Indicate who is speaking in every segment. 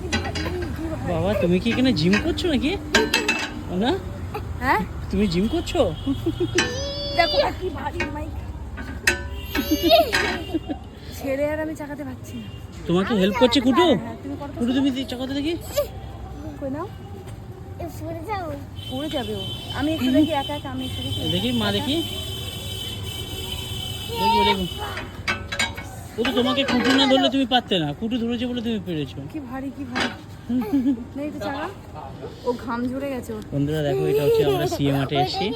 Speaker 1: বাবা তুমি কি এখানে জিম করছো নাকি? না
Speaker 2: হ্যাঁ
Speaker 1: তুমি জিম করছো?
Speaker 2: দেখো কি ভারী মাইক ছেড়ে আর আমি চাকাতে পারছি না।
Speaker 1: তোমাকে হেল্প করছে কুটু?
Speaker 2: হ্যাঁ তুমি করো তো।
Speaker 1: কুটু তুমি চাকাতে দেখি।
Speaker 2: কই নাও পড়ে যাবে ও। আমি একটু দেখি একা একা আমি একটু দেখি।
Speaker 1: দেখি মা দেখি। দেখো দেখো ও তো তোমাকে কুটু না ধরলে তুমি পারতে না, কুটু ধরেছে বলে তুমি পেরেছো।
Speaker 2: কি ভারী কি ভারী নেই তো চাকা, ও ঘাম ঝরে গেছে ওর।
Speaker 1: বন্ধুরা দেখো এটা হচ্ছে আমরা সিএ মাঠে এসেছি।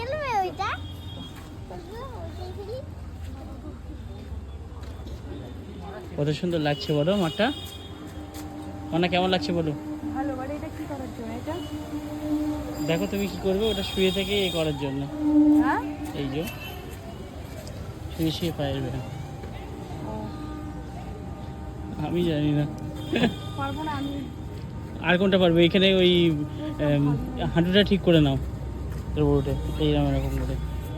Speaker 1: কত সুন্দর লাগছে বলো মাঠটা, অনেক কেমন লাগছে বলো?
Speaker 2: ভালো। বাড়ি এটা কি করার জন্য এটা?
Speaker 1: দেখো তুমি কি করবে, ওটা শুয়ে থেকে এ করার জন্য।
Speaker 2: হ্যাঁ
Speaker 1: এই যে শুয়ে শুয়ে পায়ের ব্যায়াম। আমি জানি না
Speaker 2: পারবো না আমি।
Speaker 1: আর কোনটা পারবে? এখানে ওই হাঁটুটা ঠিক করে নাও রোডে, এইরকম এরকম করে।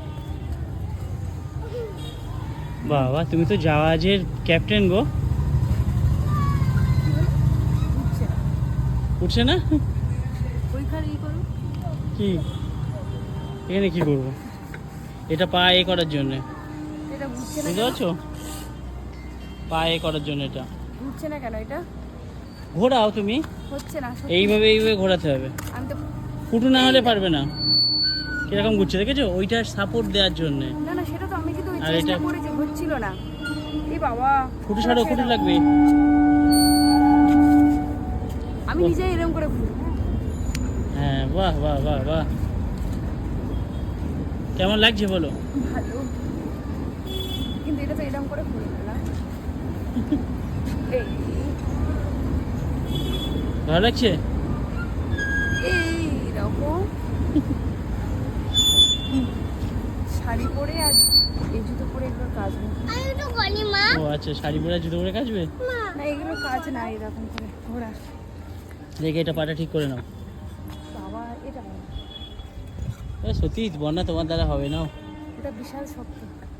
Speaker 1: বাবা তুমি তো জাহাজের ক্যাপ্টেন গো।
Speaker 2: উঠছে না।
Speaker 1: উঠছে না?
Speaker 2: ওইখানে ই করো।
Speaker 1: কি এখানে কি করবো? এটা পা এ করার জন্যে,
Speaker 2: এটা ঘুরছে না
Speaker 1: বুঝতে
Speaker 2: কেন?
Speaker 1: পারছো? পা এ করার জন্য এটা
Speaker 2: ঘুরছে না কেন এটা?
Speaker 1: ঘোরাও তুমি,
Speaker 2: হচ্ছে না সত্যি।
Speaker 1: এইভাবে এইভাবে ঘোরাতে হবে।
Speaker 2: আমি তো
Speaker 1: কুটু না হলে পারবে না। কিরকম ঘুরছে দেখেছো? ওইটা সাপোর্ট দেওয়ার জন্যে।
Speaker 2: না না সেটা তো আমি কিন্তু ওই
Speaker 1: আর
Speaker 2: চেষ্টা
Speaker 1: এটা-
Speaker 2: করেছি, হচ্ছিল না। এই বাবা
Speaker 1: কুটু ছাড়ো, কুটু লাগবে।
Speaker 2: আমি নিজে এরকম করে ঘুরি।
Speaker 1: হ্যাঁ বাহ বাহ বাহ বাহ, কেমন লাগছে বলো?
Speaker 2: ভালো, কিন্তু এটা তো এরকম করে ঘুরি না। এই
Speaker 1: ভালো লাগছে?
Speaker 2: এইরকম শাড়ি পরে আর এই জুতো পরে এগুলোর কাজ নেই।
Speaker 1: ও আচ্ছা, শাড়ি পরে জুতো পরে কাচবে?
Speaker 2: না এগুলোর কাজ না এরকম করে ঘোরা।
Speaker 1: দেখে এটা পাটা ঠিক করে নাও।
Speaker 2: বাবা এটা ভালো।
Speaker 1: সত্যি বন্যা তোমার দ্বারা হবে না।
Speaker 2: এটা বিশাল শক্ত।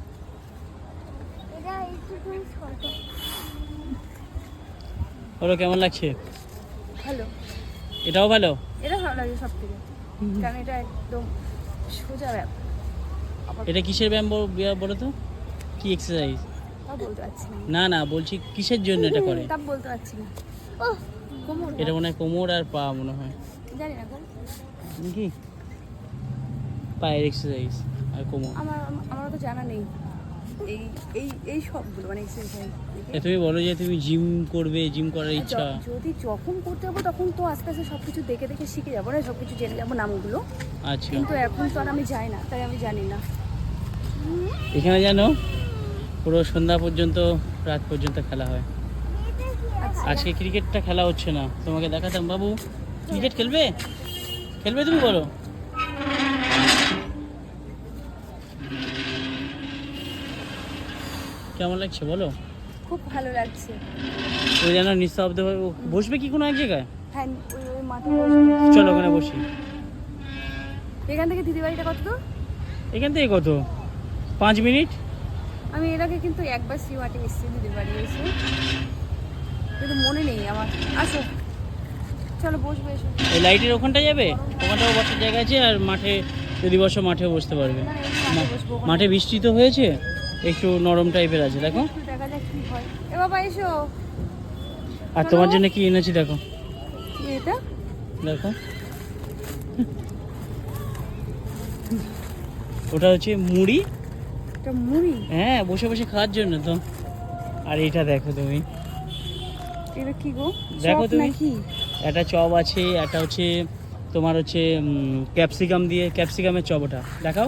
Speaker 1: বলো কেমন লাগছে?
Speaker 2: ভালো,
Speaker 1: এটাও ভালো।
Speaker 2: এটা ভালো লাগে সব থেকে, কারণ এটা একদম সোজা ব্যাপার। আবার
Speaker 1: এটা কিসের ব্যায়াম বলো তো? কি এক্সারসাইজ?
Speaker 2: তা বলতে পারছি না।
Speaker 1: না না বলছি কিসের জন্য এটা করে?
Speaker 2: তা বলতে পারছি না। ও কোমর
Speaker 1: এটা মনে হয় কোমর আর পা মনে হয়।
Speaker 2: জানি না কোন।
Speaker 1: কি পায়ের এক্সারসাইজ আর কোমর।
Speaker 2: আমার তো জানা নেই এই এই এই সবগুলো মানে এক্সারসাইজ।
Speaker 1: তুমি বলো যে তুমি জিম করবে, জিম করার ইচ্ছা।
Speaker 2: যদি যখন করতে যাবো তখন তো আস্তে আস্তে সব কিছু দেখে দেখে শিখে যাবো না, সব কিছু জেনে যাবো নামগুলো।
Speaker 1: আচ্ছা
Speaker 2: কিন্তু এখন তো আর আমি যাই না, তাই আমি জানি না।
Speaker 1: এখানে জানো পুরো সন্ধ্যা পর্যন্ত, রাত পর্যন্ত খেলা হয়।
Speaker 2: আচ্ছা
Speaker 1: আজকে ক্রিকেটটা খেলা হচ্ছে না, তোমাকে দেখাতাম। বাবু ক্রিকেট খেলবে? খেলবে তুমি বলো? কেমন লাগছে বলো?
Speaker 2: খুব ভালো লাগছে।
Speaker 1: ওই যেন নিঃশব্দ বসবে কি কোনো এক জায়গায়?
Speaker 2: হ্যাঁ ওই ওই মাঠে বসবো।
Speaker 1: চলো ওখানে বসি।
Speaker 2: এখান থেকে দিদি বাড়িটা কত দূর?
Speaker 1: এখান থেকে কত, 5 মিনিট।
Speaker 2: আমি এর আগে কিন্তু একবার সিওয়াটে এসেছি দিদির বাড়ি এসে, কিন্তু মনে নেই আমার। আসো চলো বসবে এসো।
Speaker 1: এই লাইটের ওখানটা যাবে, ওখানটাও বসার জায়গা আছে। আর মাঠে যদি বসো মাঠেও বসতে পারবে।
Speaker 2: না, এই মাঠে বসবো।
Speaker 1: মাঠে বৃষ্টি তো হয়েছে, একটু নরম টাইপের আছে দেখো।
Speaker 2: একটু দেখা যাক কি হয়। এ বাবা এসো।
Speaker 1: আর তোমার জন্য কি এনেছি দেখো,
Speaker 2: কি এটা?
Speaker 1: দেখো ওটা হচ্ছে মুড়ি।
Speaker 2: এটা মুড়ি?
Speaker 1: হ্যাঁ বসে বসে খাওয়ার জন্য তো। আর এটা দেখো তুমি,
Speaker 2: এটা কি গো?
Speaker 1: দেখো
Speaker 2: চপ
Speaker 1: তুমি।
Speaker 2: নাকি?
Speaker 1: একটা চপ আছে, একটা হচ্ছে তোমার হচ্ছে ক্যাপসিকাম দিয়ে, ক্যাপসিকামের চপ। ওটা দেখাও।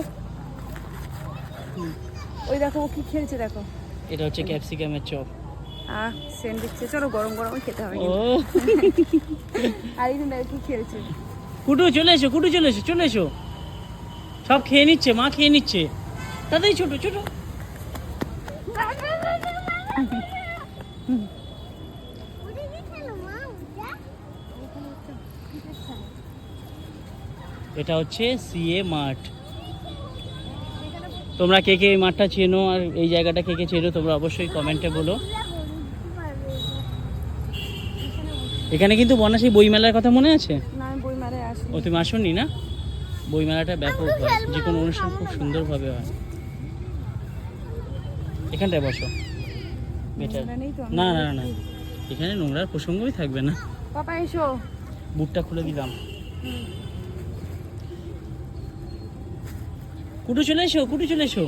Speaker 2: ওই দেখো ও কি খেলছে দেখো।
Speaker 1: এটা হচ্ছে ক্যাপসিকামের চপ।
Speaker 2: সেন্ট দিচ্ছে, চলো গরম গরম খেতে হবে
Speaker 1: ও
Speaker 2: কিন্তু। আর এই দেখো কি খেলছে।
Speaker 1: কুটু চলে এসো, কুটু চলে এসো, চলে এসো। সব খেয়ে নিচ্ছে, মা খেয়ে নিচ্ছে। তাতেই ছোট ছোট। এটা হচ্ছে সিএ মাঠ। তোমরা কে কে এই মাঠটা চেনো আর এই জায়গাটা কে কে চেনো তোমরা অবশ্যই কমেন্টে বলো। এখানে কিন্তু বন্যাসী বইমেলার কথা মনে আছে?
Speaker 2: না আমি বইমেলায় আসি।
Speaker 1: ও তুমি আসোনি না? বইমেলাটা ব্যাপক হয়, যে কোনো অনুষ্ঠান খুব সুন্দরভাবে হয়। এখানটায় বসো, বেটার।
Speaker 2: নোংরা নেই তো?
Speaker 1: না না না, এখানে নোংরার প্রসঙ্গই থাকবে না।
Speaker 2: পাপা এসো।
Speaker 1: বুটটা খুলে দিলাম। কুটু চলে এসো, কুটু চলে এসো।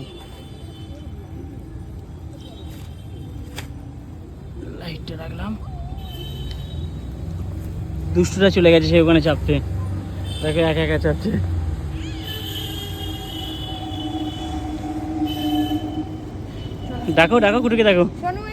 Speaker 1: লাইটটা রাখলাম। দুষ্টুটা চলে গেছে সে ওখানে চাপতে, তাকে একা একা চাপছে। ডাকো ডাকো কুটুকে, ডাকো।
Speaker 2: শোনো